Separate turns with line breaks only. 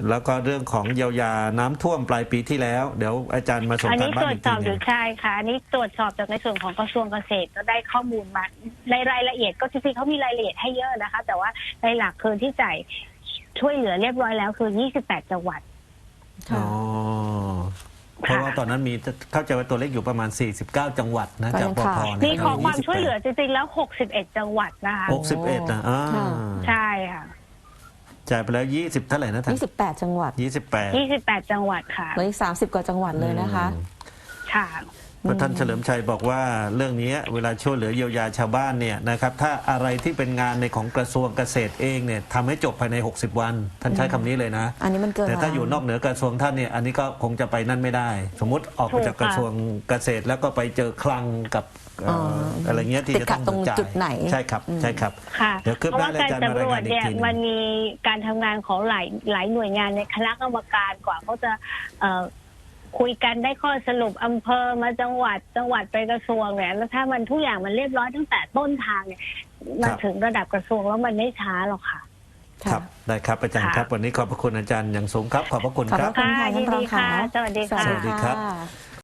แล้วก็เรื่องของเยียวยาน้ำท่วมปลายปีที่แล้วเดี๋ยวอาจารย์มาส่ง
อัน
การ
นี้
บ้า
ตร
น
ว
อี
จ
ก
ส
ที
อบ
ห
อ
นึ่ง
ยู่ใช่ค่ะอันนี้ตรวจสอบจากในส่วนของกระทรวงเกษตรก็ได้ข้อมูลมาในรายละเอียดก็จริงๆเขามีรายละเอียดให้เยอะนะคะ แต่ว่าในหลักคือที่จ่ายช่วยเหลือเรียบร้อยแล้วคือ28จังหวัด
อ๋
ค่ะ
อเพราะว่าตอนนั้นมีเข้าใจว่าตัวเลขอยู่ประมาณ49จังหวัดนะจากปพ
มีขอความช่วยเหลือจริงๆแล้ว61จังหวัดนะคะ
61นะ
ใช่ค่ะ
จ่ายไปแล้ว20เท่าไหร่นะท่าน
28 จังหวัด
28
จังหวัดค่ะ
เหลืออีก30 กว่าจังหวัดเลยนะคะ
ค่ะ
เพราะท่านเฉลิมชัยบอกว่าเรื่องนี้เวลาช่วยเหลือเยียวยาชาวบ้านเนี่ยนะครับถ้าอะไรที่เป็นงานในของกระทรวงเกษตรเองเนี่ยทำให้จบภายใน60วันท่านใช้คำนี้เลยนะ
อันนี้มันเกิน
แต่ถ้าอยู่นอกเหนือกระทรวงท่านเนี่ยอันนี้ก็คงจะไปนั่นไม่ได้ สมมุติออกมาจากกระทรวงเกษตรแล้วก็ไปเจอคลังกับอะไรเงี้ยที่จะต้อง
ตรง
จ่าย
จุดไหน
ใช่ครับใช่ครับ
ค่ะ
เดี๋ยวคืบ
เพราะ
หน้า
ว่า
แล้ว
การ
อาจารย์มาราย
สำรว
งา
จ
นอีก
เนี่ย
ทีหนึง
มันมีการทำงานของหลายหน่วยงานในคณะกรรมการกว่าเขาจะคุยกันได้ข้อสรุปอำเภอมาจังหวัดไปกระทรวงเนี่ยแล้วถ้ามันทุกอย่างมันเรียบร้อยตั้งแต่ต้นทางเนี่ยมาถึงระดับกระทรวงแล้วมันไม่ช้าหรอกค่ะ
ครับได้ครับอาจารย์ครับวันนี้ขอบพระคุณอาจารย์อย่างสูงครับขอบพระคุณ
ขอบ
ค
พ
รับ
ระคุณค่ะท่านรองค่ะ
สวัสดีค่ะ
สวัสดีครับ
ค่ะ